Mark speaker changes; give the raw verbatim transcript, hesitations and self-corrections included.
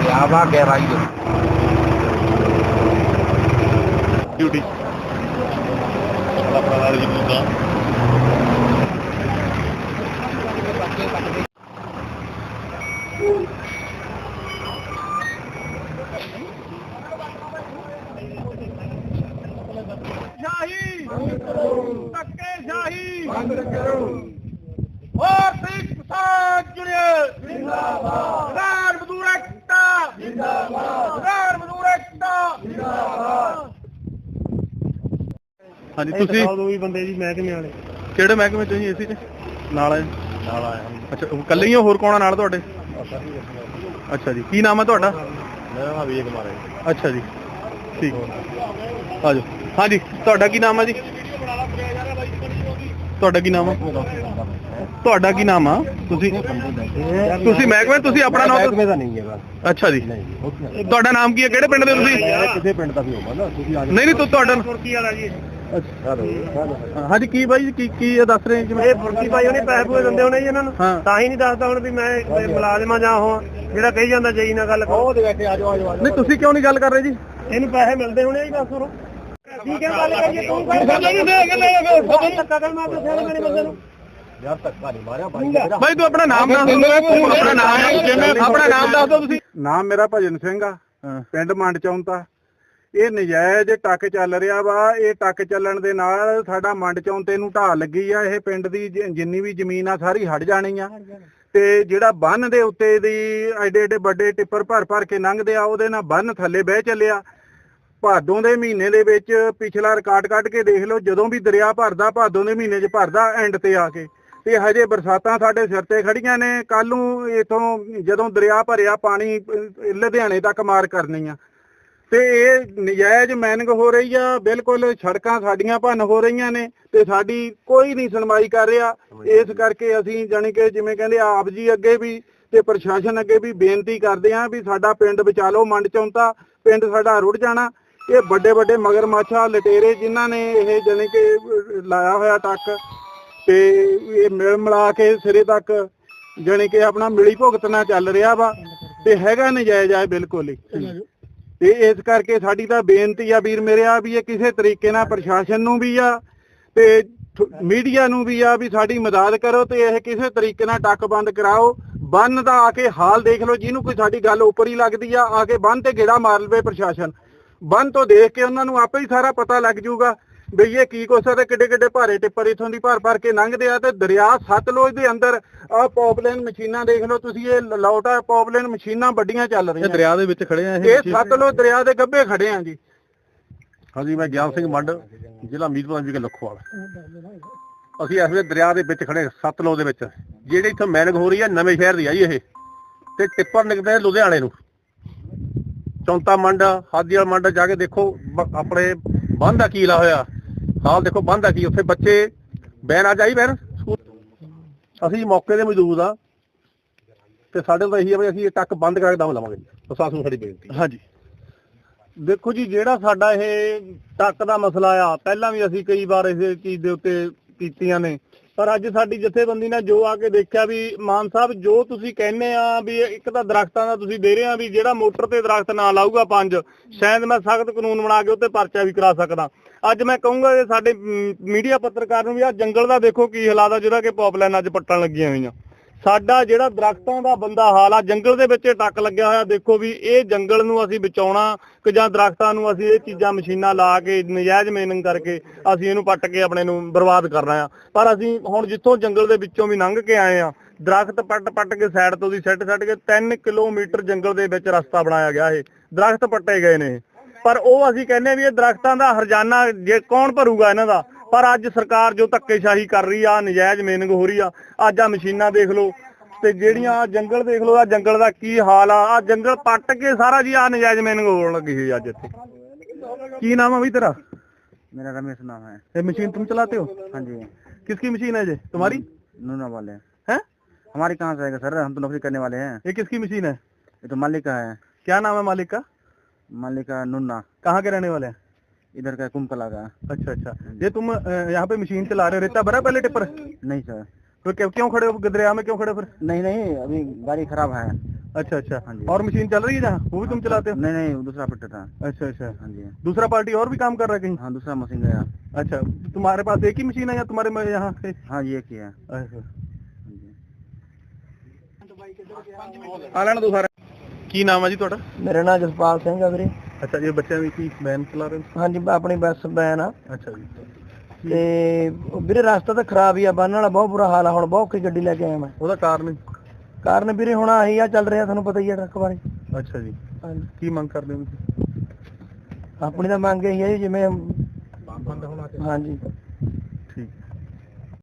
Speaker 1: वा गहराई है
Speaker 2: ड्यूटी हाँ जी तुसी दो ही बंदे जी महकमे वाले किहड़े महकमे च एसी च नाल आए नाल आए अच्छा कल्ले ही होर कौन नाल तुहाडे अच्छा जी की नाम है तुहाडा मेरा नाम विजय कुमार है अच्छा जी ठीक आ जाओ हाँ जी तुहाडा की नाम है जी तुहाडा की नाम है ਤੁਹਾਡਾ ਕੀ ਨਾਮ ਆ ਤੁਸੀਂ ਤੁਸੀਂ ਮਹਿਕਮੇ ਤੁਸੀਂ ਆਪਣਾ ਨਾਮ ਮਹਿਕਮੇ ਦਾ ਨਹੀਂ ਹੈ ਅੱਛਾ ਜੀ ਤੁਹਾਡਾ ਨਾਮ ਕੀ ਹੈ ਕਿਹੜੇ ਪਿੰਡ ਦੇ ਤੁਸੀਂ ਕਿਸੇ ਪਿੰਡ ਦਾ ਵੀ ਹੋਵਾ ਨਾ ਤੁਸੀਂ ਨਹੀਂ ਨਹੀਂ ਤੁਹਾਡਾ ਫੁਰਕੀ ਵਾਲਾ ਜੀ ਹਾਂਜੀ ਕੀ ਬਾਈ ਕੀ ਕੀ ਦੱਸ ਰਹੇ ਜਿਵੇਂ ਇਹ ਫੁਰਕੀ ਬਾਈ ਉਹਨੇ ਪੈਸੇ ਪੂਏ ਦਿੰਦੇ ਹੋਣੇ ਜੀ ਇਹਨਾਂ ਨੂੰ ਤਾਂ ਹੀ ਨਹੀਂ ਦੱਸਦਾ ਹੁਣ ਵੀ ਮੈਂ ਮੁਲਾਜ਼ਮਾਂ ਜਾਂ ਉਹ ਜਿਹੜਾ ਕਹੀ ਜਾਂਦਾ ਜਈ ਨਾਲ ਗੱਲ ਕਰੋ ਉਹਦੇ ਬੈਠੇ ਆ ਜਾਓ ਆ ਜਾਓ ਨਹੀਂ ਤੁਸੀਂ ਕਿਉਂ ਨਹੀਂ ਗੱਲ ਕਰ ਰਹੇ ਜੀ ਇਹਨੂੰ ਪੈਸੇ ਮਿਲਦੇ ਹੋਣੇ ਜੀ ਬਸ ਹੋਰ ਠੀਕ ਹੈ ਗੱਲ ਕਰੀਏ ਤੂੰ ਧੱਕਾ ਕਰ ਮਾਰ ਦੇ ਸਿਆਣੇ ਮੇਰੇ ਬੰਦੇ ਨੂੰ यार धक्का नहीं मारा भाई तू अपना नाम दस दो अपना नाम अपना नाम दस दो तुसी नाम मेरा भजन सिंह आ पिंड मंड चौंता ਇਹ ਨਜਾਇਜ਼ ਟੱਕ ਚੱਲ ਰਿਹਾ ਵਾ ਇਹ ਟੱਕ ਚੱਲਣ ਦੇ ਨਾਲ ਸਾਡਾ ਮੰਡ ਚੌਂਤੇ ਨੂੰ ਢਾਹ ਲੱਗੀ ਆ ਇਹ ਪਿੰਡ ਦੀ ਜਿੰਨੀ ਵੀ ਜ਼ਮੀਨ ਆ ਸਾਰੀ ਹਟ ਜਾਣੀ ਆ ਤੇ ਜਿਹੜਾ ਬੰਨ ਦੇ ਉੱਤੇ ਦੀ ਐਡੇ ਐਡੇ ਵੱਡੇ ਟਿੱਪਰ ਭਰ ਭਰ ਕੇ ਲੰਘਦੇ ਆ ਉਹਦੇ ਨਾਲ ਬੰਨ ਥੱਲੇ ਬਹਿ ਚੱਲਿਆ ਭਾਦੋਂ ਦੇ ਮਹੀਨੇ ਦੇ ਵਿੱਚ ਪਿਛਲਾ ਰਿਕਾਰਡ ਕੱਢ ਕੇ ਦੇਖ ਲਓ ਜਦੋਂ ਵੀ ਦਰਿਆ ਭਰਦਾ ਭਾਦੋਂ ਦੇ ਮਹੀਨੇ 'ਚ ਭਰਦਾ ਐਂਡ ਤੇ ਆ ਕੇ ਤੇ ਹਜੇ ਬਰਸਾਤਾਂ ਸਾਡੇ ਸਿਰ ਤੇ ਖੜੀਆਂ ਨੇ ਕੱਲ ਨੂੰ ਇਥੋਂ ਜਦੋਂ ਦਰਿਆ ਭਰਿਆ ਪਾਣੀ ਲੁਧਿਆਣੇ ਤੱਕ ਮਾਰ ਕਰਨੀ ਆ ਤੇ ਇਹ ਨਜਾਇਜ਼ ਮਾਈਨਿੰਗ ਹੋ ਰਹੀ ਆ ਬਿਲਕੁਲ ਸੜਕਾਂ ਸਾਡੀਆਂ ਭੰਨ ਹੋ ਰਹੀਆਂ ਨੇ ਤੇ ਸਾਡੀ ਕੋਈ ਨਹੀਂ ਸੁਣਵਾਈ ਕਰ ਰਿਹਾ ਇਸ ਕਰਕੇ ਅਸੀਂ ਜਾਣੀ ਕਿ ਜਿਵੇਂ ਕਹਿੰਦੇ ਆਪ ਜੀ ਅੱਗੇ ਵੀ ਤੇ ਪ੍ਰਸ਼ਾਸਨ ਅੱਗੇ ਵੀ ਬੇਨਤੀ ਕਰਦੇ ਆਂ ਵੀ ਸਾਡਾ ਪਿੰਡ ਬਚਾ ਲਓ ਮੰਡ ਚੌਂਤਾ ਪਿੰਡ ਸਾਡਾ ਰੁੜ ਜਾਣਾ ਇਹ ਵੱਡੇ ਵੱਡੇ ਮਗਰਮੱਛਾਂ ਲਟੇਰੇ ਜਿਨ੍ਹਾਂ ਨੇ ਇਹ ਜਾਣੀ ਕਿ ਲਾਇਆ ਹੋਇਆ ਟੱਕ ਤੇ ਇਹ ਮਿਲ ਮਿਲਾ ਕੇ ਸਿਰੇ ਤੱਕ ਜਾਣੀ ਕਿ ਆਪਣਾ ਮਿਲੀ ਭੁਗਤਣਾ ਚੱਲ ਰਿਹਾ ਵਾ ਤੇ ਹੈਗਾ ਨਜਾਇਜ਼ ਆ ਬਿਲਕੁਲ ਹੀ ਤੇ ਇਸ ਕਰਕੇ ਸਾਡੀ ਤਾਂ ਬੇਨਤੀ ਆ ਵੀਰ ਮੇਰੇ ਆ ਵੀ ਇਹ ਕਿਸੇ ਤਰੀਕੇ ਨਾਲ ਪ੍ਰਸ਼ਾਸਨ ਨੂੰ ਵੀ ਆ ਤੇ ਮੀਡੀਆ ਨੂੰ ਵੀ ਆ ਵੀ ਸਾਡੀ ਮਦਦ ਕਰੋ ਤੇ ਇਹ ਕਿਸੇ ਤਰੀਕੇ ਨਾਲ ਟੱਕ ਬੰਦ ਕਰਾਓ ਬੰਨ ਦਾ ਆ ਕੇ ਹਾਲ ਦੇਖ ਲਓ ਜਿਹਨੂੰ ਕੋਈ ਸਾਡੀ ਗੱਲ ਉੱਪਰ ਹੀ ਲੱਗਦੀ ਆ ਆ ਕੇ ਬੰਨ ਤੇ ਗੇੜਾ ਮਾਰ ਲਵੇ ਪ੍ਰਸ਼ਾਸਨ ਬੰਨ ਤੋਂ ਦੇਖ ਕੇ ਉਹਨਾਂ ਨੂੰ ਆਪੇ ਹੀ ਸਾਰਾ ਪਤਾ ਲੱਗ ਜਾਊਗਾ ਬਈ ਇਹ ਕੀ ਕੁਛ ਆ ਤੇ ਕਿੱਡੇ ਕਿੱਡੇ ਭਾਰੇ ਟਿੱਪਰ ਇਥੋਂ ਦੀ ਭਰ ਭਰ ਕੇ ਲੰਘਦੇ ਆ ਤੇ ਦਰਿਆ ਸਤਲੁਜ ਦੇ ਅੰਦਰ ਆਹ ਪੌਪਲੇਨ ਮਸ਼ੀਨਾਂ ਦੇਖ ਲਓ ਤੁਸੀਂ ਇਹ ਲੌਟਾ ਪੌਪਲੇਨ ਮਸ਼ੀਨਾਂ ਵੱਡੀਆਂ ਚੱਲ ਰਹੀਆਂ ਦਰਿਆ ਦੇ ਵਿੱਚ ਖੜੇ ਆ ਇਹ ਸਤਲੁਜ ਦਰਿਆ ਦੇ ਗੱਭੇ ਖੜੇ ਆ ਜੀ ਹਾਂਜੀ ਮੈਂ ਗਿਆਨ ਸਿੰਘ ਮੰਡ ਜ਼ਿਲ੍ਹਾ ਮੀਰਪੁਰ ਵਿਖੇ ਲਖੋਵਾਲ ਅਸੀਂ ਇਸ ਵੇਲੇ ਦਰਿਆ ਦੇ ਵਿੱਚ ਖੜੇ ਸਤਲੁਜ ਦੇ ਵਿੱਚ ਜਿਹੜੀ ਇੱਥੋਂ ਮੈਨਿੰਗ ਹੋ ਰਹੀ ਆ ਨਵੇਂ ਸ਼ਹਿਰ ਦੀ ਆ ਜੀ ਇਹ ਤੇ ਟਿੱਪਰ ਨਿਕਲਦੇ ਲੁਧਿਆਣੇ ਨੂੰ ਚੌਂਤਾ ਮੰਡ ਹਾਦੀਵਾਲ ਮੰਡ ਜਾ ਕੇ ਦੇਖੋ ਆਪਣੇ ਬੰਨ ਦਾ ਕੀ ਲਾ ਹੋਇਆ ਹਾਲ ਦੇਖੋ ਬੰਨ ਦਾ ਕੀ ਉੱਥੇ ਬੱਚੇ ਬੈਨ ਆ ਜਾਈ ਬੈਨ ਅਸੀਂ ਮੌਕੇ ਦੇ ਮੌਜੂਦ ਆ ਤੇ ਸਾਡੇ ਤੋਂ ਇਹੀ ਆ ਵੀ ਅਸੀਂ ਇਹ ਟੱਕ ਬੰਦ ਕਰਕੇ ਦਮ ਲਵਾਂਗੇ ਪ੍ਰਸ਼ਾਸਨ ਨੂੰ ਸਾਡੀ ਬੇਨਤੀ ਹਾਂਜੀ ਦੇਖੋ ਜੀ ਜਿਹੜਾ ਸਾਡਾ ਇਹ ਟੱਕ ਦਾ ਮਸਲਾ ਆ ਪਹਿਲਾਂ ਵੀ ਅਸੀਂ ਕਈ ਵਾਰ ਇਸ ਚੀਜ਼ ਦੇ ਉੱਤੇ ਕੀਤੀਆਂ ਨੇ ਪਰ ਅੱਜ ਸਾਡੀ ਜਥੇਬੰਦੀ ਨੇ ਜੋ ਆ ਕੇ ਦੇਖਿਆ ਵੀ ਮਾਨ ਸਾਹਿਬ ਜੋ ਤੁਸੀਂ ਕਹਿੰਦੇ ਆ ਵੀ ਇੱਕ ਤਾਂ ਦਰਖਤਾਂ ਦਾ ਤੁਸੀਂ ਦੇ ਰਹੇ ਆ ਵੀ ਜਿਹੜਾ ਮੋਟਰ ਤੇ ਦਰਖਤ ਨਾ ਲਾਊਗਾ ਪੰਜ ਸ਼ਾਇਦ ਮੈਂ ਸਖਤ ਕਾਨੂੰਨ ਬਣਾ ਕੇ ਉੱਤੇ ਪਰਚਾ ਵੀ ਕਰਾ ਸਕਦਾ ਅੱਜ ਮੈਂ ਕਹੂੰਗਾ ਕਿ ਸਾਡੇ ਮੀਡੀਆ ਪੱਤਰਕਾਰ ਨੂੰ ਵੀ ਆ ਜੰਗਲ ਦਾ ਦੇਖੋ ਕੀ ਹਾਲਾਤ ਆ ਜਿਹੜਾ ਕਿ ਪੌਪਲਾਈਨ ਅੱਜ ਪੱਟਣ ਲੱਗੀਆਂ ਹੋਈਆਂ ਸਾਡਾ ਜਿਹੜਾ ਦਰਖਤਾਂ ਦਾ ਬੰਦਾ ਹਾਲ ਆ ਜੰਗਲ ਦੇ ਵਿੱਚ ਟੱਕ ਲੱਗਿਆ ਹੋਇਆ ਦੇਖੋ ਵੀ ਇਹ ਜੰਗਲ ਨੂੰ ਅਸੀਂ ਬਚਾਉਣਾ ਕਿ ਜਾਂ ਦਰਖਤਾਂ ਨੂੰ ਅਸੀਂ ਇਹ ਚੀਜ਼ਾਂ ਮਸ਼ੀਨਾਂ ਲਾ ਕੇ ਨਜਾਇਜ਼ ਮਾਈਨਿੰਗ ਕਰਕੇ ਅਸੀਂ ਇਹਨੂੰ ਪੱਟ ਕੇ ਆਪਣੇ ਨੂੰ ਬਰਬਾਦ ਕਰਨਾ ਆ ਪਰ ਅਸੀਂ ਹੁਣ ਜਿੱਥੋਂ ਜੰਗਲ ਦੇ ਵਿੱਚੋਂ ਵੀ ਲੰਘ ਕੇ ਆਏ ਆ ਦਰਖਤ ਪੱਟ ਪੱਟ ਕੇ ਸਾਈਡ ਤੋਂ ਦੀ ਸੱਟ ਸੱਟ ਕੇ ਤਿੰਨ ਕਿਲੋਮੀਟਰ ਜੰਗਲ ਦੇ ਵਿੱਚ ਰਸਤਾ ਬਣਾਇਆ ਗਿਆ ਇਹ ਦਰਖਤ ਪੱਟੇ ਗਏ ਨੇ ਪਰ ਉਹ ਅਸੀਂ ਕਹਿੰਦੇ ਵੀ ਇਹ ਦਰਖਤਾਂ ਦਾ ਹਰਜਾਨਾ ਜੇ ਕੌਣ ਭਰੂਗਾ ਇਹਨਾਂ ਦਾ ਪਰ ਅੱਜ ਸਰਕਾਰ ਜੋ ਧੱਕੇਸ਼ਾਹੀ ਕਰ ਰਹੀ ਆ ਨਜਾਇਜ਼ ਮਾਈਨਿੰਗ ਹੋ ਰਹੀ ਆ ਅੱਜ ਆ ਮਸ਼ੀਨਾਂ ਦੇਖ ਲਓ ਤੇ ਜਿਹੜੀਆਂ ਜੰਗਲ ਦੇਖ ਲਓ ਆ ਜੰਗਲ ਦਾ ਕੀ ਹਾਲ ਆ ਆ ਜੰਗਲ ਪੱਟ ਕੇ ਸਾਰਾ ਜੀ ਆ ਨਜਾਇਜ਼ ਮਾਈਨਿੰਗ ਹੋਣ ਲੱਗੀ ਹੋਈ ਅੱਜ ਇੱਥੇ ਕੀ ਨਾਮ ਆ ਬਈ ਤੇਰਾ
Speaker 3: मेरा रमेश नाम है
Speaker 2: ये मशीन तुम चलाते हो
Speaker 3: हाँ जी
Speaker 2: किसकी मशीन है ये तुम्हारी
Speaker 3: नूना वाले
Speaker 2: हैं
Speaker 3: हमारी कहाँ से आएगा सर हम तो नौकरी करने वाले हैं
Speaker 2: ये किसकी मशीन है
Speaker 3: ये तो मालिक का है
Speaker 2: क्या नाम है मालिक का
Speaker 3: मालिक का नूना
Speaker 2: कहाँ के रहने वाले हैं
Speaker 3: इधर का कुंभकला का
Speaker 2: अच्छा अच्छा ये तुम यहाँ पे मशीन चला रहे हो रेता भरा पहले टिप्पर
Speaker 3: नहीं सर
Speaker 2: तो क्यों क्यों खड़े हो दरिया में, क्यों खड़े हो फिर?
Speaker 3: नहीं नहीं, अभी गाड़ी खराब है।
Speaker 2: अच्छा अच्छा।
Speaker 3: हाँ जी।
Speaker 2: और मशीन चल रही है जहाँ, वो भी तुम चलाते हो?
Speaker 3: नहीं नहीं, दूसरा ऑपरेटर था।
Speaker 2: अच्छा अच्छा।
Speaker 3: हाँ जी।
Speaker 2: दूसरा पार्टी और भी काम कर रहा है कहीं?
Speaker 3: हाँ, दूसरा मशीन गया।
Speaker 2: अच्छा, तुम्हारे पास एक ही मशीन है या तुम्हारे में यहाँ पे?
Speaker 3: हाँ, ये एक ही है।
Speaker 2: अच्छा।
Speaker 3: हाँ जी।
Speaker 2: ਆ ਲੈਣ ਦੋ ਸਾਰਾ। ਕੀ ਨਾਮ ਹੈ ਜੀ ਤੁਹਾਡਾ?
Speaker 3: ਮੇਰਾ ਨਾਮ ਜਸਪਾਲ ਸਿੰਘ ਆ ਵੀਰੇ।
Speaker 2: ਅੱਛਾ ਜੀ, ਬੱਚਿਆਂ ਦੀ ਕੀ ਵੈਨ ਚਲਾ ਰਹੇ ਹੋ?
Speaker 3: ਹਾਂਜੀ, ਆਪਣੀ ਬੱਸ ਵੈਨ ਆ।
Speaker 2: ਅੱਛਾ ਜੀ।
Speaker 3: ਤੇ ਵੀਰੇ ਰਸਤਾ ਤਾਂ ਖਰਾਬ ਹੀ ਆ, ਬੰਨ ਵਾਲਾ ਬਹੁਤ ਬੁਰਾ ਹਾਲ ਆ, ਹੁਣ ਬਹੁਤ ਔਖੀ ਗੱਡੀ ਲੈ ਕੇ ਆਇਆ ਮੈਂ।
Speaker 2: ਉਹਦਾ ਕਾਰਨ?
Speaker 3: ਕਾਰਨ ਵੀਰੇ ਹੁਣ ਆਹੀ ਆ ਚੱਲ ਰਿਹਾ, ਤੁਹਾਨੂੰ ਪਤਾ ਹੀ ਆ ਟਰੱਕ ਬਾਰੇ।
Speaker 2: ਅੱਛਾ ਜੀ।
Speaker 3: ਹਾਂਜੀ।
Speaker 2: ਕੀ ਮੰਗ ਕਰਦੇ ਹੋ ਤੁਸੀਂ?
Speaker 3: ਆਪਣੀ ਤਾਂ ਮੰਗ ਇਹੀ ਹੈ ਜੀ, ਜਿਵੇਂ ਬੰਦ ਹੋਣਾ ਚਾਹੀਦਾ। ਹਾਂਜੀ।